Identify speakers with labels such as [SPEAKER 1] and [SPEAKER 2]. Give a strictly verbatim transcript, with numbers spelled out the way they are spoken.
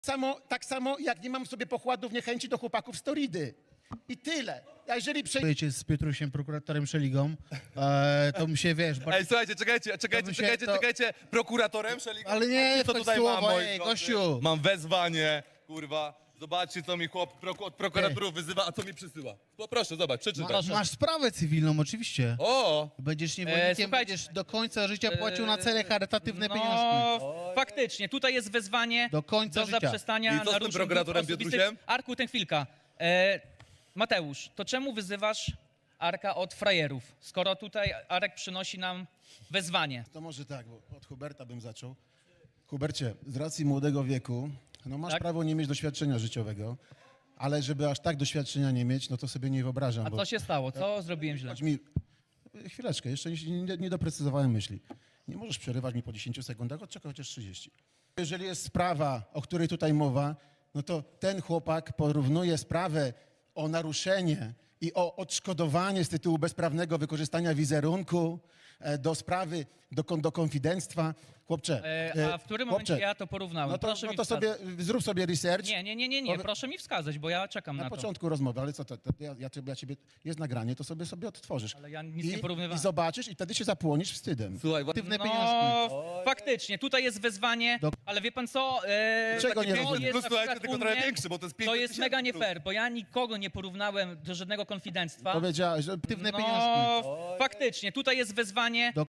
[SPEAKER 1] Samo, tak samo jak nie mam w sobie pochładów niechęci do chłopaków z Toridy. I tyle. A jeżeli przejdziemy...
[SPEAKER 2] Wiecie, z Piotrusiem, prokuratorem Szeligą, e, to mi się, wiesz... Bardzo...
[SPEAKER 3] Ej, słuchajcie, czekajcie, czekajcie,
[SPEAKER 2] by się
[SPEAKER 3] czekajcie,
[SPEAKER 2] to-
[SPEAKER 3] czekajcie. Prokuratorem Szeligą?
[SPEAKER 2] Ale nie,
[SPEAKER 3] Patrzcie, co
[SPEAKER 2] wchodź
[SPEAKER 3] tutaj
[SPEAKER 2] słowo,
[SPEAKER 3] mam, moi
[SPEAKER 2] ej,
[SPEAKER 3] drodzy.
[SPEAKER 2] gościu.
[SPEAKER 3] Mam wezwanie, kurwa. Zobaczcie, co mi chłop proku- od prokuratorów wyzywa, a co mi przysyła. Poproszę, zobacz, przeczytaj.
[SPEAKER 2] Masz, masz sprawę cywilną, oczywiście.
[SPEAKER 3] O!
[SPEAKER 2] Będziesz niewolnikiem,
[SPEAKER 4] słuchajcie,
[SPEAKER 2] będziesz do końca życia płacił na cele charytatywne
[SPEAKER 4] no,
[SPEAKER 2] pieniążki.
[SPEAKER 4] faktycznie, tutaj jest wezwanie
[SPEAKER 2] Do końca
[SPEAKER 4] do
[SPEAKER 2] życia.
[SPEAKER 4] zaprzestania
[SPEAKER 3] I co z tym
[SPEAKER 4] naruszeń
[SPEAKER 3] prokuratorem
[SPEAKER 4] dóbr osobistych.
[SPEAKER 3] Piotrusiem?
[SPEAKER 4] Arku, tę chwilkę. E, Mateusz, to czemu wyzywasz Arka od frajerów, skoro tutaj Arek przynosi nam wezwanie?
[SPEAKER 1] To może tak, bo od Huberta bym zaczął. Hubercie, z racji młodego wieku, no masz
[SPEAKER 4] Tak?
[SPEAKER 1] prawo nie mieć doświadczenia życiowego, ale żeby aż tak doświadczenia nie mieć, no to sobie nie wyobrażam.
[SPEAKER 4] A
[SPEAKER 1] bo...
[SPEAKER 4] co się stało? Co zrobiłem źle?
[SPEAKER 1] Chodź mi... Chwileczkę, jeszcze nie, nie, nie doprecyzowałem myśli. Nie możesz przerywać mi po dziesięciu sekundach, odczekaj chociaż trzydzieści. Jeżeli jest sprawa, o której tutaj mowa, no to ten chłopak porównuje sprawę o naruszenie i o odszkodowanie z tytułu bezprawnego wykorzystania wizerunku e, do sprawy, do, kon- do konfidenctwa. Chłopcze,
[SPEAKER 4] E, a w którym momencie
[SPEAKER 1] chłopcze,
[SPEAKER 4] ja to porównałem?
[SPEAKER 1] no to,
[SPEAKER 4] Proszę
[SPEAKER 1] no
[SPEAKER 4] mi
[SPEAKER 1] to
[SPEAKER 4] wskazać.
[SPEAKER 1] sobie zrób sobie research.
[SPEAKER 4] Nie, nie, nie, nie, nie,
[SPEAKER 1] Powie-
[SPEAKER 4] proszę mi wskazać, bo ja czekam na,
[SPEAKER 1] Na
[SPEAKER 4] to.
[SPEAKER 1] początku rozmowy, ale co to, to ja, ja, ciebie, ja ciebie, jest nagranie, to sobie sobie odtworzysz.
[SPEAKER 4] Ale ja nic
[SPEAKER 1] I,
[SPEAKER 4] nie porównywałem.
[SPEAKER 1] I zobaczysz i wtedy się zapłonisz wstydem.
[SPEAKER 3] Słuchaj,
[SPEAKER 2] Aktywne
[SPEAKER 4] No,
[SPEAKER 2] pieniążki.
[SPEAKER 4] faktycznie, tutaj jest wezwanie,
[SPEAKER 2] Do-
[SPEAKER 4] ale wie pan co? E,
[SPEAKER 1] Czego nie
[SPEAKER 4] to
[SPEAKER 1] rozumiem?
[SPEAKER 4] jest
[SPEAKER 3] Plus,
[SPEAKER 4] na
[SPEAKER 3] słuchajcie,
[SPEAKER 4] przykład
[SPEAKER 3] tylko
[SPEAKER 4] u
[SPEAKER 3] trochę
[SPEAKER 4] mnie-
[SPEAKER 3] większy, bo to jest
[SPEAKER 4] To
[SPEAKER 3] pięćset
[SPEAKER 4] jest
[SPEAKER 3] tysięcy
[SPEAKER 4] mega nie
[SPEAKER 3] plus.
[SPEAKER 4] fair, bo ja nikogo nie porównałem do żadnego konfidenctwa.
[SPEAKER 1] Powiedziałeś, że aktywne
[SPEAKER 4] No,
[SPEAKER 1] pieniążki.
[SPEAKER 4] faktycznie, tutaj jest wezwanie
[SPEAKER 2] Do-